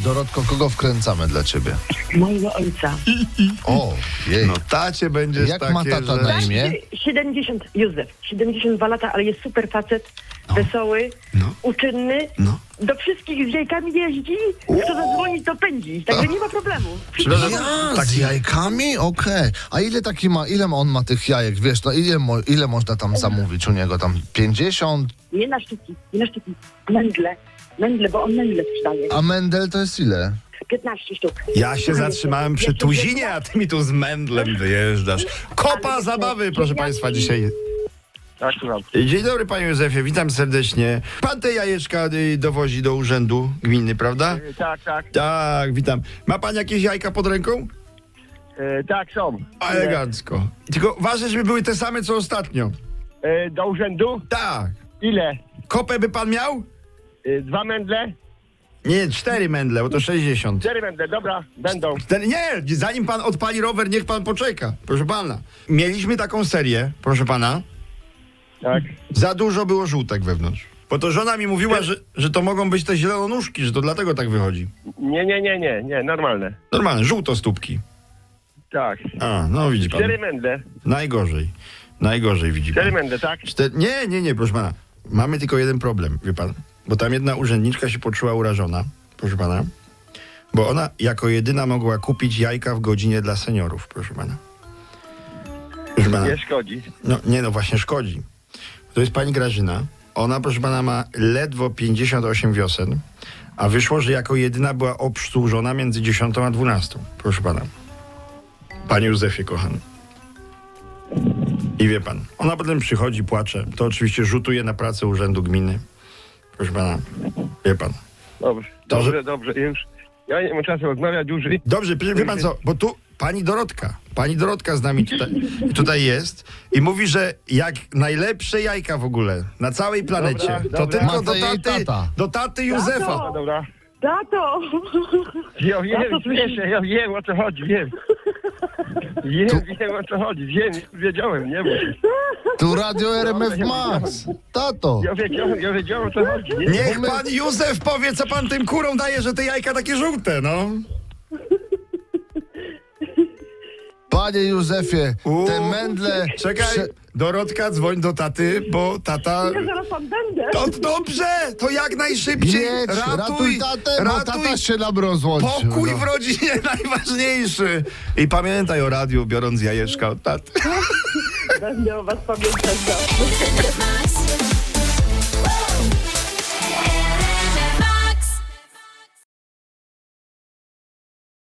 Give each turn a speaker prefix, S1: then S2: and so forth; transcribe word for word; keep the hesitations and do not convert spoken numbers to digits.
S1: Dorotko, kogo wkręcamy dla ciebie?
S2: Mojego ojca.
S1: O, jej.
S3: No tacie będziesz
S1: Jak
S3: takie,
S1: ma tata
S3: że...
S1: na imię?
S2: siedemdziesiąt, Józef, siedemdziesiąt dwa lata, ale jest super facet, wesoły,
S3: No.
S2: uczynny,
S3: No.
S2: do wszystkich z jajkami jeździ, kto zadzwoni, to pędzi, także nie ma problemu.
S3: Przepraszam,
S1: Ja,
S3: tak-
S1: z jajkami? Okej. A ile taki ma, ile on ma tych jajek, wiesz, no ile, mo, ile można tam zamówić u niego? Tam pięćdziesiąt?
S2: Nie na sztuki, nie na sztuki, mędle, mędle, bo on mędle sprzedaje.
S1: A Mendel to jest ile?
S2: piętnaście sztuk.
S3: Ja się zatrzymałem przy tuzinie, a ty mi tu z mędlem wyjeżdżasz. Kopa zabawy, proszę państwa, dzisiaj.
S4: Tak, słucham.
S3: Dzień dobry, panie Józefie, witam serdecznie. Pan te jajeczka y, dowozi do urzędu gminy, prawda?
S4: E, Tak, tak.
S3: Tak, witam. Ma pan jakieś jajka pod ręką?
S4: E, tak, są.
S3: Elegancko. Tylko ważne, żeby były te same, co ostatnio.
S4: E, do urzędu?
S3: Tak.
S4: Ile?
S3: Kopę by pan miał?
S4: E, dwa mędle?
S3: Nie, cztery mędle, bo to sześćdziesiąt.
S4: Cztery mędle, dobra, będą.
S3: Cztery, nie, zanim pan odpali rower, niech pan poczeka. Proszę pana. Mieliśmy taką serię, proszę pana.
S4: Tak.
S3: Za dużo było żółtek wewnątrz. Bo to żona mi mówiła, że, że to mogą być te zielonóżki, że to dlatego tak wychodzi.
S4: Nie, nie, nie, nie, nie, normalne.
S3: Normalne, żółtostópki.
S4: Tak.
S3: A, no widzi pan.
S4: Cztery mędle.
S3: Najgorzej. Najgorzej widzi
S4: Cztery
S3: pan.
S4: mędle, tak?
S3: Cztery... Nie, nie, nie, proszę pana. Mamy tylko jeden problem, wie pan. Bo tam jedna urzędniczka się poczuła urażona, proszę pana. Bo ona jako jedyna mogła kupić jajka w godzinie dla seniorów, proszę pana. Proszę pana.
S4: Nie szkodzi.
S3: No nie, no właśnie szkodzi. To jest pani Grażyna. Ona, proszę pana, ma ledwo pięćdziesiąt osiem wiosen, a wyszło, że jako jedyna była obsłużona między dziesiątą a dwunastą. Proszę pana. Panie Józefie, kochany. I wie pan, ona potem przychodzi, płacze. To oczywiście rzutuje na pracę urzędu gminy. Proszę pana, wie pan.
S4: Dobrze,
S3: To, że-
S4: dobrze, dobrze, już. Ja nie mam czasu rozmawiać dłużej.
S3: Dobrze, wie wie pan co, bo tu pani Dorotka, pani Dorotka z nami tutaj, tutaj jest i mówi, że jak najlepsze jajka w ogóle na całej planecie,
S4: Dobra,
S3: to
S4: dobra.
S3: tylko
S1: Ma
S3: do
S1: to jej
S3: taty,
S1: tata.
S3: do taty Józefa.
S4: No, dobra.
S2: Tato!
S4: Ja wiem,
S2: Ja to słyszę.
S4: wiesz, ja wiem o co chodzi, wiem. Wiem, wiem o co chodzi, wiem, wiedziałem, nie wiem.
S1: Tu Radio R M F Max. Tato.
S4: Ja wiedziałem, ja wiedziałem o co chodzi. Nie?
S3: Niech pan Józef powie, co pan tym kurom daje, że te jajka takie żółte, no.
S1: Panie Józefie,
S3: Uuu,
S1: te mędle...
S3: Czekaj,
S1: prze-
S3: Dorotka, dzwoń do taty, bo tata...
S2: Ja zaraz tam będę.
S3: To dobrze, to jak najszybciej.
S1: Jedź, ratuj,
S3: Ratuj,
S1: tatę, bo
S3: ratuj.
S1: tata się nam rozłączył.
S3: Pokój
S1: no.
S3: w rodzinie najważniejszy. I pamiętaj o radiu, biorąc jajeczka od taty.
S2: Będę o was pamiętać zawsze.